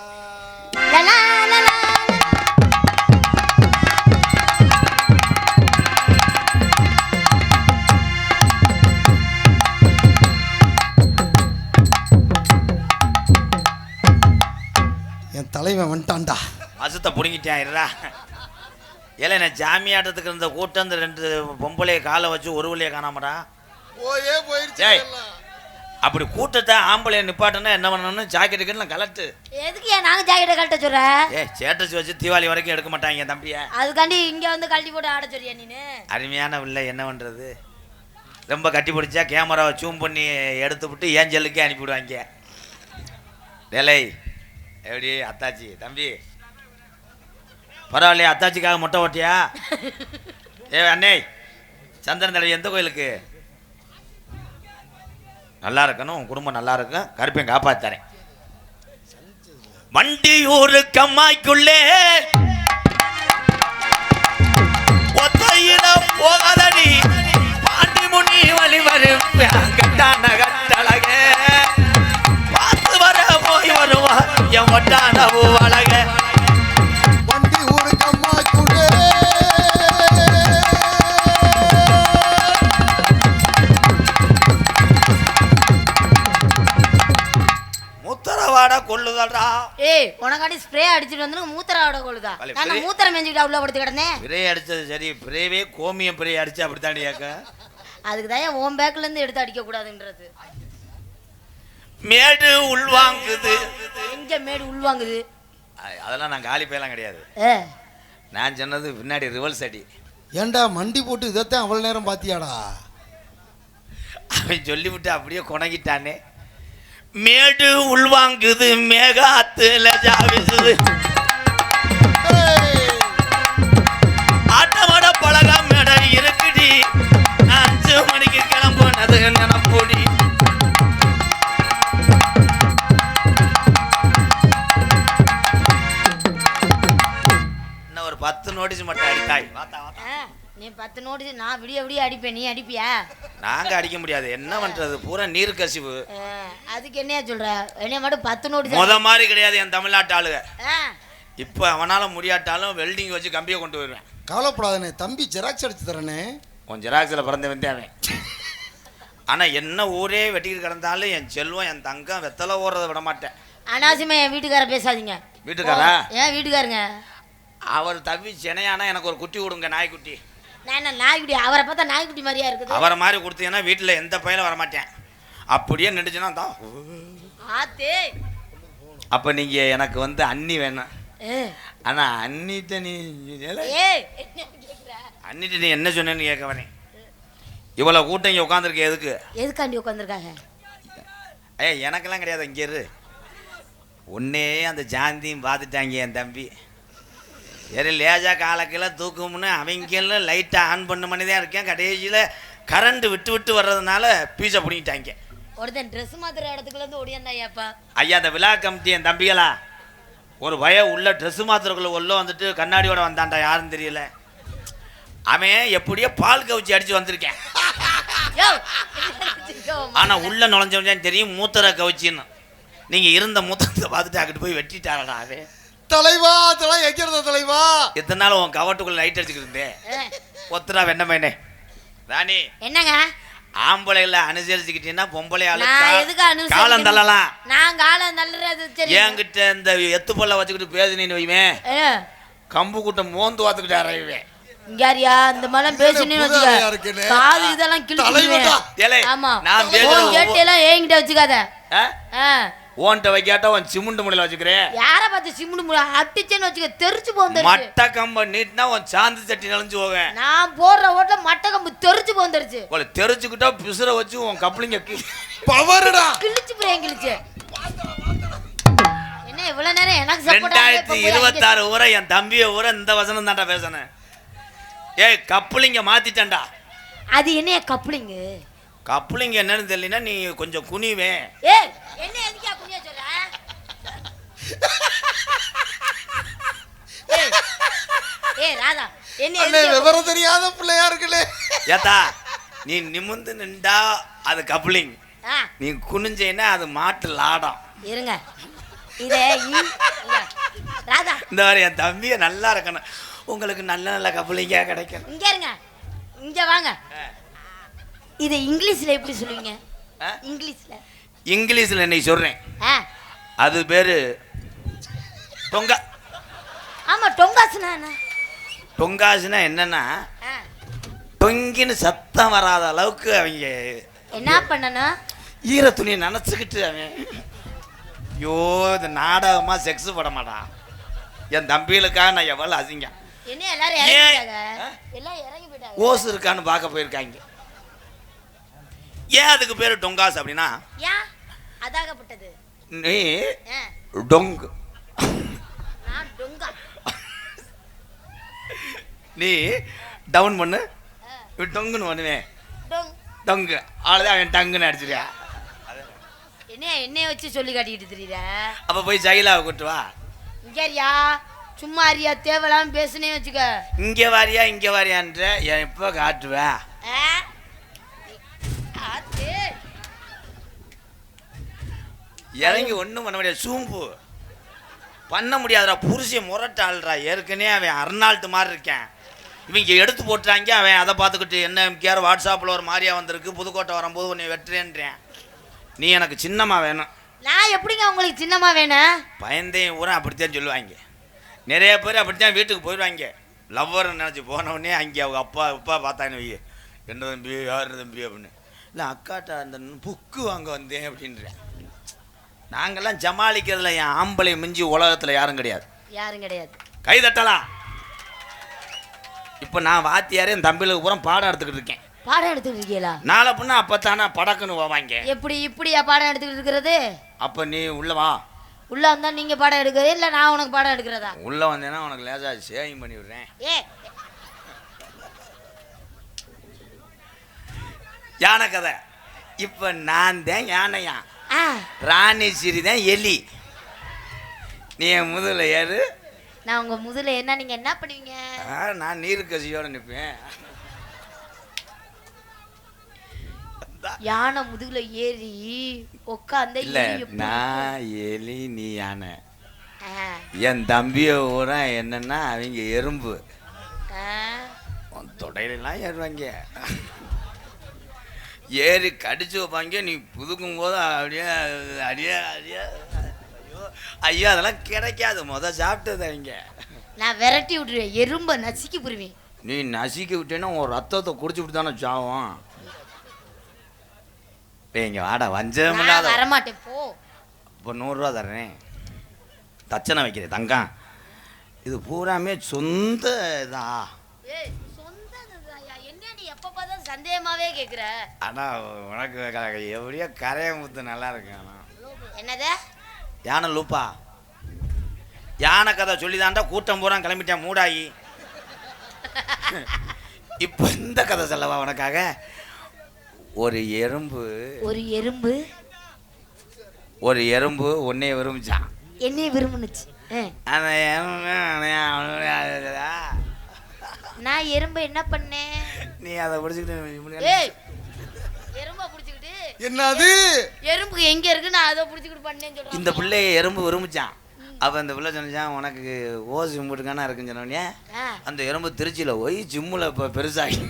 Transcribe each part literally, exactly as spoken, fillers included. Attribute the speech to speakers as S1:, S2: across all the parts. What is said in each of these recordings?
S1: என் தலைவன் வந்துட்டான்டா.
S2: அசுத்த புடுங்கிட்டாயிரா. ஏல நான் ஜாமியாட்டத்துக்கு இருந்த கூட்டம் இந்த ரெண்டு பொம்பளைய காலை வச்சு ஒரு வழியை காணாமடா
S1: போயே போயிருச்சு.
S2: அப்படி கூட்டத்தை ஆம்பளைய நிப்பாட்டனா என்ன பண்ணணும்? ஜாக்கெட்டுக்கு நான் கலட்டு.
S3: எதுக்கு ஏன் நாங்க ஜாக்கெட்டை கழட்ட சொல்ற?
S2: ஏ சேட்டச்சு வச்சு தீபாவளி வரைக்கும் எடுக்க மாட்டாங்க தம்பிய.
S3: அதுக்காண்டி இங்க வந்து கழட்டி போட்டு ஆட சொல்றியா நீனு?
S2: அருமையான இல்லை, என்ன பண்றது? ரொம்ப கட்டி பிடிச்சா கேமராவை ஜூம் பண்ணி எடுத்து விட்டு ஏஞ்சலுக்கே அனுப்பிவிடுவாங்க. டேலை எப்படி அத்தாச்சி தம்பி பரவாயில்லையா? அத்தாச்சிக்காக மொட்டை ஓட்டியா? ஏ அண்ணே சந்திரன் தலைவி எந்த கோயிலுக்கு? நல்லா இருக்கணும், உன் குடும்பம் நல்லா இருக்கும், கருப்பையும் காப்பாத்தாரேன். வண்டியூரு கம்மாய்க்குள்ளே ஒத்தையில போகாதடி பாண்டி முனி வழி வரும் கட்டான கட்டழக பார்த்து வர போய் வருவா என் ஒட்டான பூவழக.
S1: வண்டி ஊரு கம்மாய்க்குள்ளே
S2: மூத்தரவாட கொள்ளுதல்டா.
S3: ஏய் உனக்காண்டி ஸ்ப்ரே அடிச்சிட்டு வந்து மூத்தரவாட கொள்ளுதா? நான் மூத்தரம் மேஞ்சிட்டு உள்ள படுத்து கிடந்தேன்.
S2: பிரே அடிச்சது சரி, பிரேவே கோமியம் பிரே அடிச்சு அப்படித்தாண்டி ஏக்க.
S3: அதுக்கு தான் உன் பேக்ல இருந்து எடுத்து அடிக்க கூடாதுன்றது.
S2: மேடு உள்வாங்குது.
S3: எங்க மேடு உள்வாங்குது?
S2: அதெல்லாம் நான் காலி பேலாம் கிடையாது. நான் சொன்னது பின்னாடி ரிவல்ஸ் அடி.
S1: ஏண்டா மண்டி போட்டு இதைத்தான் அவ்வளவு நேரம் பாத்தியாடா?
S2: அவன் சொல்லிவிட்டு அப்படியே கொணங்கிட்டானே. மேடு உள்வாங்குது மேகாத்துல ஜாவிசுது ஆட்டமாட பழகா மேட இருக்குடி அஞ்சு மணிக்கு கிளம்புனது நினப்பொடி. இன்னும் ஒரு பத்து நோட்டீஸ் மட்டும் அடித்தாய்.
S3: நீ பத்து நோட்டீஸ் நான் விடிய விடிய அடிப்பேன், நீ அடிப்பியா?
S2: நாங்க அடிக்க முடியாது, என்ன பண்றது, பூரா நீர் கசிவு.
S3: அதுக்கு என்னையா சொல்ற? என்னைய மட்டும் பத்து நோட்டீஸ்
S2: முத மாதிரி கிடையாது என் தமிழ்நாட்டு ஆளுக. இப்ப அவனால முடியாட்டாலும் வெல்டிங் வச்சு கம்பியை கொண்டு வருவேன்.
S1: கவலைப்படாதனே தம்பி, ஜெராக்ஸ் அடிச்சு தரனே.
S2: உன் ஜெராக்ஸில் பிறந்த வந்தே அவன். ஆனா என்ன ஊரே வெட்டிக்கிட்டு கிடந்தாலும் என் செல்வம் என் தங்கம் வெத்தலை ஓடுறத விட மாட்டேன்.
S3: அனாவசியமா என் வீட்டுக்கார பேசாதீங்க.
S2: வீட்டுக்காரா?
S3: ஏன் வீட்டுக்காரங்க?
S2: அவர் தவி சென்னையானா எனக்கு ஒரு குட்டி கொடுங்க, நாய்க்குட்டி.
S3: நான் நாய்க்குட்டி? அவரை பார்த்தா நாய்க்குட்டி மாதிரியா இருக்குது.
S2: அவரை மாதிரி கொடுத்தீங்கன்னா வீட்டில் எந்த பையனும் வரமாட்டேன். அப்படியே நின்றுச்சுன்னா தான்
S3: ஆத்தே.
S2: அப்போ நீங்கள் எனக்கு வந்து அண்ணி வேணும். ஆனால் அண்ணிட்ட நீ அண்ணிட்ட நீ என்ன சொன்னேன்னு கேட்க வரேன். இவ்வளோ கூட்டம் இங்கே உட்காந்துருக்க எதுக்கு?
S3: எதுக்காண்டி உட்காந்துருக்காங்க?
S2: ஏ எனக்கெல்லாம் கிடையாது, இங்கே இரு. ஒன்னே அந்த ஜாந்தியும் பார்த்துட்டாங்க என் தம்பி. சரி லேஜா காலக்கெல்லாம் தூக்கும்னு அவங்களும் லைட்டை ஆன் பண்ண பண்ணி தான் இருக்கேன். கடைசியில் கரண்ட் விட்டு விட்டு வர்றதுனால பீஸை பிடிங்கிட்டாங்க.
S3: ஒருத்தன் ட்ரெஸ் மாத்திர இடத்துக்குள்ள இருந்து ஓடியாந்தாப்பா.
S2: ஐயா அந்த விழா கமிட்டி என் தம்பிகளா ஒரு பய உள்ள ட்ரெஸ் மாத்திரக்குள்ள உள்ள வந்துட்டு கண்ணாடியோட வந்தான்டா, யாருன்னு தெரியல. அவன் எப்படியோ பால் கவுச்சி அடிச்சு வந்திருக்கேன். ஆனா உள்ள நுழைஞ்சவன் தெரியும் மூத்தரை கவுச்சின்னு. நீங்க இருந்த மூத்தத்தை பார்த்துட்டு அங்கிட்டு போய் வெட்டிட்டாரடா அவன்.
S1: தலைவா தலை எக்கிறது தலைவா.
S2: எத்தனை நாள் உன் கவட்டுக்குள்ள லைட் அடிச்சுக்கிட்டு இருந்தேன். ஒத்துரா வெண்ண பையனே. ராணி
S3: என்னங்க?
S2: ஆம்பளைல அனுசரிச்சுக்கிட்டீங்கன்னா பொம்பளை ஆளு
S3: காலம்
S2: தள்ளலாம்.
S3: நான் காலம் தள்ளுறது சரி.
S2: என்கிட்ட இந்த எத்து பொல்ல வச்சுக்கிட்டு பேசுனீன்னு வைவேன், கம்பு கூட்டம் மோந்து வாத்துக்கிட்டு அறையுவேன்.
S3: இங்கயா இந்த மலம் பேசுனே வச்சுக்க, காது இதெல்லாம் கிழிச்சுடுவேன். ஆமா நான் பேசுறேன் கேட்டேலாம் ஏங்கிட்ட வச்சுக்காத.
S2: ஓன்ட்ட வைக்காட்ட உன் சிமுண்டு முடையில வச்சுக்கிறேன்.
S3: யார பார்த்து சிமுண்டு முடை அட்டிச்சேன்னு வச்சுக்க, தெரிச்சு போந்துருச்சு.
S2: மட்ட கம்ப நீட்னா உன் சாந்து சட்டி நெளிஞ்சு போவேன்.
S3: நான் போடுற ஓட்ட மட்ட கம்பு தெரிச்சு போந்துருச்சு.
S2: உங்களை தெரிச்சுக்கிட்டா பிசுற வச்சு உன் கப்ளிங்க
S1: பவர்டா
S3: கிழிச்சு போறேன் கிழிச்சு. என்ன இவ்வளவு நேரம் எனக்கு சப்போர்ட்?
S2: ரெண்டாயிரத்தி இருபத்தி ஆறு ஊரை என் தம்பிய ஊரை இந்த வசனம் தான்டா பேசுனேன். ஏய் கப்ளிங்க மாத்திட்டேன்டா.
S3: அது என்ன கப்ளிங்?
S2: கப்ளிங் என்னன்னு தெரியலனா நீ கொஞ்சம் குனிவே.
S3: ஏய் என்ன எதுக்கு குனிய சொல்ற? ஏய் ஏய் ராதா என்ன
S1: எதுக்கு விவரம் தெரியாத பிள்ளையா இருக்கலே.
S2: ஏத்தா நீ நிமிர்ந்து நின்றா அது கப்ளிங், நீ குனிஞ்சேனா அது மாட்டு லாடம்.
S3: இருங்க இதே இ- இங்க, ராதா
S2: இந்த மாதிரி என் தம்பியை நல்லா இருக்கணும், உங்களுக்கு நல்ல நல்ல கப்பலிங்க கிடைக்கணும்.
S3: இங்க இருங்க, இங்க வாங்க. இது இங்கிலீஷ்ல எப்படி சொல்லுவீங்க?
S2: ஆ?
S3: இங்கிலீஷ்ல
S2: இங்கிலீஷ்ல இன்னைக்கு சொல்றேன்.
S3: ஆ
S2: அது பேரு டொங்கா.
S3: ஆமா, டொங்காசுனா என்ன?
S2: டொங்காசுனா என்னன்னா,
S3: ஆ.
S2: டொங்கின்னு சத்தம் வராத அளவுக்கு அவங்க
S3: என்ன பண்ணணும்?
S2: ஈர துணியை நினச்சிக்கிட்டு அவன் ஐயோ இந்த நாடகமா செக்ஸ் பட மாட்டான். என் தம்பிகளுக்காக நான் எவ்வளோ அசிங்க.
S3: என்ன எல்லாரும்
S2: ஏன்?
S3: இறங்கி போயிட்டாங்க? எல்லாம் இறங்கி போயிட்டாங்க.
S2: ஓசு இருக்கான்னு பார்க்க போயிருக்காங்க. ஏன் அதுக்கு பேரு டொங்காஸ் அப்படின்னா,
S3: ஏன் அதாகப்பட்டது?
S2: நீ
S3: ஆ,
S2: டொங்கு,
S3: நான் டொங்கா.
S2: நீ டவுன் பண்ணு,
S3: ஆ,
S2: இவன் டொங்குன்னு பண்ணுவேன்.
S3: டொங்.
S2: டொங்கு அவ்வளோதான், அவன் டங்குன்னு அடிச்சிருக்கா.
S3: என்ன என்னைய வச்சு சொல்லி காட்டிட்டு தெரியுற?
S2: அப்போ போய் ஜெயிலாவை கூட்டு வா.
S3: இங்கயா சும்மா அறியா தேவலாம் பேசுனே வச்சுக்க.
S2: இங்கே வாரியா இங்கே வாரியான்ற என் இப்போ காட்டுவேன்.
S3: ஆ? ஆத்து.
S2: இறங்கி ஒன்றும் பண்ண முடியாது, சூம்பு பண்ண முடியாதுடா. புருஷ முரட்டாள்றா, ஏற்கனவே அவன் அர்னால்ட்டு மாதிரி இருக்கேன். இவங்க எடுத்து போட்டுறாங்க, அவன் அதை பார்த்துக்கிட்டு என்ன கேர் வாட்ஸ்அப்பில் ஒரு மாதிரியா வந்திருக்கு, புதுக்கோட்டை வரும்போது உன்னை வெட்டுறேன்றேன். நீ எனக்கு சின்னம்மா வேணும்.
S3: நான் எப்படிங்க உங்களுக்கு சின்னமா வேணும்?
S2: பயந்தையும் ஊரா அப்படித்தான் சொல்லுவாங்க. நிறைய பேர் அப்படித்தான் வீட்டுக்கு போயிடுவாங்க. லவ்வர் நினச்சி போனவுடனே அங்கே அவங்க அப்பா அப்பா பார்த்தாங்க, வை என்ன தம்பி யார் தம்பி அப்படின்னு. இல்லை அக்காட்ட அந்த புக்கு வாங்க வந்தேன் அப்படின்றேன். நாங்கள்லாம் ஜமாளிக்கிறதுல என் ஆம்பளை மிஞ்சி உலகத்தில் யாரும் கிடையாது.
S3: யாரும் கிடையாது.
S2: கை தட்டலாம். இப்போ நான் வாத்தியாரே என் தம்பிகளுக்கு பூரா பாடம் எடுத்துக்கிட்டு இருக்கேன்.
S3: பாடம் எடுத்துக்கிட்டு இருக்கீங்களா?
S2: நாளை பொண்ணு அப்போ தானே படக்குன்னு போவாங்க.
S3: எப்படி இப்படியா பாடம் எடுத்துக்கிட்டு இருக்கிறது?
S2: அப்போ நீ உள்ள வா.
S3: உள்ள வந்தா நீங்க பாடம் எடுக்கிறது இல்ல நான் உனக்கு பாடம் எடுக்கிறதா?
S2: உள்ள வந்தேன்னா உனக்கு லேசா சேவிங் பண்ணி விடுறேன்.
S3: ஏ
S2: யானை கதை. இப்போ நான் தான் யானையா,
S3: ஆ
S2: ராணி சிறி தான் எலி. நீ என் முதுகில் ஏறு.
S3: நான் உங்க முதல்ல என்ன நீங்க என்ன பண்ணுவீங்க?
S2: ஆ, நான் நீர் கசியோட நிற்பேன்.
S3: யானை முதுகுல ஏறி உட்காந்த
S2: இல்ல நான் எலி நீ யானை. என் தம்பிய ஊரா என்னன்னா அவங்க எறும்பு. உன் தொடையிலாம் ஏறுவாங்க, ஏறி கடிச்சு வைப்பாங்க. நீ புதுக்கும் போது அப்படியே அடியே அடியே ஐயோ ஐயோ அதெல்லாம் கிடைக்காது. முத சாப்பிட்டது அவங்க.
S3: நான் விரட்டி விட்டுருவேன், எறும்ப நசுக்கி புரிவேன்.
S2: நீ நசுக்கி விட்டேன்னா உன் ரத்தத்தை குடிச்சு விட்டு தானே சாவும். இங்க வாடா, வஞ்சம் இல்லாத.
S3: வரமாட்டேன் போ.
S2: இப்போ நூறுரூவா தர்றேன், தச்சனை வைக்கிறேன் தங்கம். இது பூராமே சொந்த இதா.
S3: ஏய் சொந்தம்யா, என்ன நீ எப்ப பார்த்தா சந்தேகமாவே கேக்குற?
S2: ஆனா உனக்கு எப்படியோ கரைய முத்து நல்லா இருக்கு. ஆனா
S3: என்னது
S2: யானை லூப்பா? யானை கதை சொல்லிதான்டா கூட்டம் பூரா கிளம்பிட்டேன் மூடாயி. இப்போ இந்த கதை சொல்லவா உனக்காக? ஒரு எறும்பு
S3: ஒரு எறும்பு
S2: ஒரு எறும்பு உன்னைய விரும்பிச்சான்.
S3: என்னைய விரும்புனுச்சு.
S2: அந்த எறும்பு
S3: நான் எறும்பு என்ன பண்ணேன்?
S2: நீ அதை பிடிச்சிக்கிட்டு
S3: ஏய் எறும்ப புடிச்சிக்கிட்டு
S1: என்னது
S3: எறும்புக்கு எங்க இருக்கு நான் அதை புடிச்சிக்கிட்டு பண்ணேன்னு சொல்றேன்.
S2: இந்த பிள்ளைய எறும்பு விரும்பிச்சான். அப்போ அந்த பிள்ளை சொன்னான் உனக்கு ஓசி கும்பிட்டுக்கானா இருக்குன்னு சொன்னோடனே அந்த எறும்பு திருச்சியில் போய் ஜிம்மில் இப்போ பெருசாகி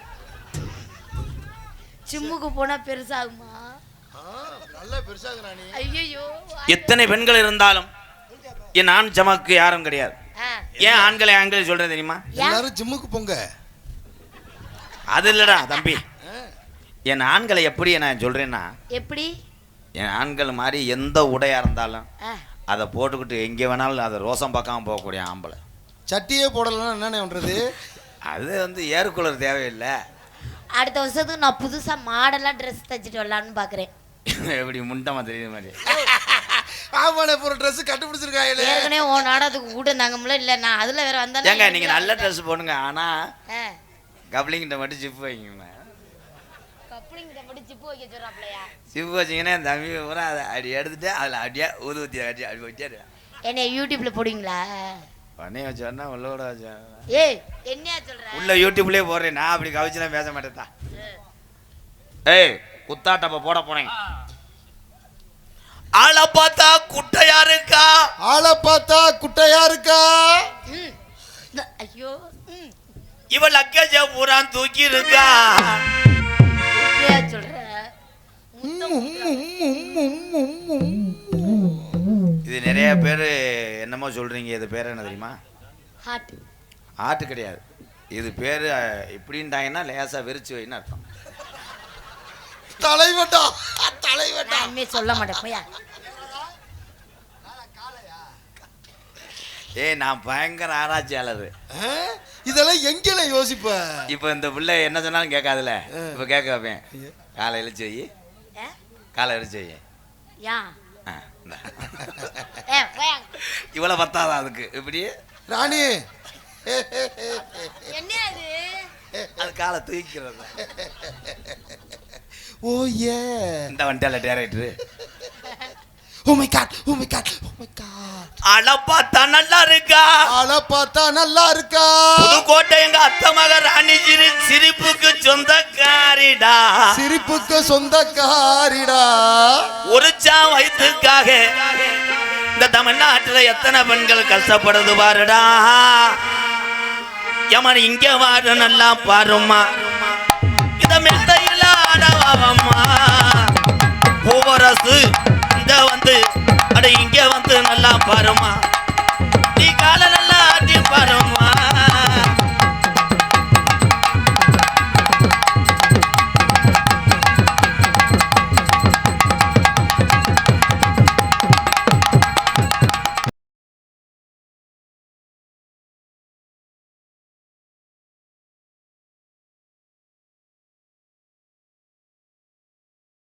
S3: ஜிம்முக்கு போனா பெருசாகுமா?
S1: நல்லா பெருசாகுறானே.
S3: ஐயோ
S2: எத்தனை பெண்கள் இருந்தாலும் என் ஆண் ஜமாக்கு யாரும் கிடையாது. ஏன் ஆண்களை ஆண்கள் சொல்றேன் தெரியுமா?
S1: எல்லாரும் ஜிம்முக்கு போங்க.
S2: அது இல்லடா தம்பி, என் ஆண்களை எப்படி நான் சொல்றேன்னா,
S3: எப்படி
S2: என் ஆண்கள் மாதிரி எந்த உடையா இருந்தாலும் அதை போட்டுக்கிட்டு எங்கே வேணாலும் அதை ரோசம் பார்க்காம போகக்கூடிய ஆம்பளை.
S1: சட்டியே போடலன்னா என்னென்ன பண்றது?
S2: அது வந்து ஏர்கூலர் தேவையில்லை.
S3: அடுத்த வருஷத்துக்கு நான் புதுசா மாடலா ட்ரெஸ் தச்சுட்டு வரலான்னு பாக்குறேன்.
S2: எப்படி முண்டமா தெரியுது மாதிரி.
S1: ஆமாண்ணே, ஒரு ட்ரெஸ் கண்டுபிடிச்சிருக்காங்களே.
S3: ஏற்கனவே ஓ நாடகத்துக்கு கூட்டம் தாங்கம்ல. இல்ல நான் அதுல வேற வந்தேன்.
S2: ஏங்க நீங்க நல்ல ட்ரெஸ் போடுங்க, ஆனா கப்ளிங்கிட்ட மட்டும் ஜிப் வைங்க.
S3: கப்ளிங்கிட்ட மட்டும் ஜிப் வைக்க சொல்றாப்லையா?
S2: ஜிப் வச்சிங்கன்னா என் தம்பி பூரா அதை அடி எடுத்துட்டு அதில் அப்படியே ஊது ஊற்றி அடி அப்படி வச்சாரு.
S3: என்ன யூடியூப்ல போடுவீங்களா?
S2: பண்ணி வச்சோன்னா உள்ளோட வச்சா.
S3: ஏய் என்னையா சொல்ற?
S2: உள்ள யூடியூப்லயே போடுறேன். நான் அப்படி கவிச்சுலாம் பேச மாட்டேன். ஏய் குத்தாட்டப்ப போட போறேன். ஆளை பார்த்தா குட்டையா இருக்கா,
S1: ஆளை பார்த்தா குட்டையா இருக்கா.
S3: ஐயோ
S2: இவள் லக்கேஜ பூரா தூக்கி இருக்கா.
S3: சொல்ற
S2: இது நிறைய பேர் என்னமோ சொல்றீங்க. இது பேர் என்ன தெரியுமா?
S3: ஹார்ட்.
S2: ஆட்டு கிடையாது. இது பேர் இப்படின்ட்டாங்கன்னா லேசா வெறிச்சு வைன்னு அர்த்தம்.
S1: தலைவட்டா தலைவட்டா
S3: சொல்ல மாட்டேன் போயா.
S2: ஏய் நான் பயங்கர ஆராய்ச்சியாளர்.
S1: இதெல்லாம் எங்கேல யோசிப்ப.
S2: இப்போ இந்த பிள்ளை என்ன சொன்னாலும் கேட்காதுல. இப்போ கேட்க வைப்பேன். காலை இழுச்சு வை, காலை இழுச்சு வை. இவ்வளோ பத்தாதான் அதுக்கு. இப்படி
S1: ராணி
S3: என்ன
S2: அது காலை தூக்கிறது.
S1: ஓ ஏ
S2: இந்த வண்டியால director.
S1: Oh my god oh my god oh my god.
S2: அழ பார்த்தா நல்லா இருக்கா,
S1: அழ பார்த்தா நல்லா இருக்கா.
S2: புதுக்கோட்டை எங்க அத்தை மக ராணி சிரி சிரிப்புக்கு சொந்தக்காரிடா,
S1: சிரிப்புக்கு சொந்தக்காரிடா.
S2: ஒரு சா வயிற்றுக்காக இந்த தமிழ்நாட்டுல எத்தனை பெண்கள் கஷ்டப்படுது பாருடா. யமன் இங்க வாரு நல்லா பாருமா, இத மேடையில் ஆடவாவம்மா. பூவரசு இந்த வந்து அட இங்க வந்து நல்லா பாருமா.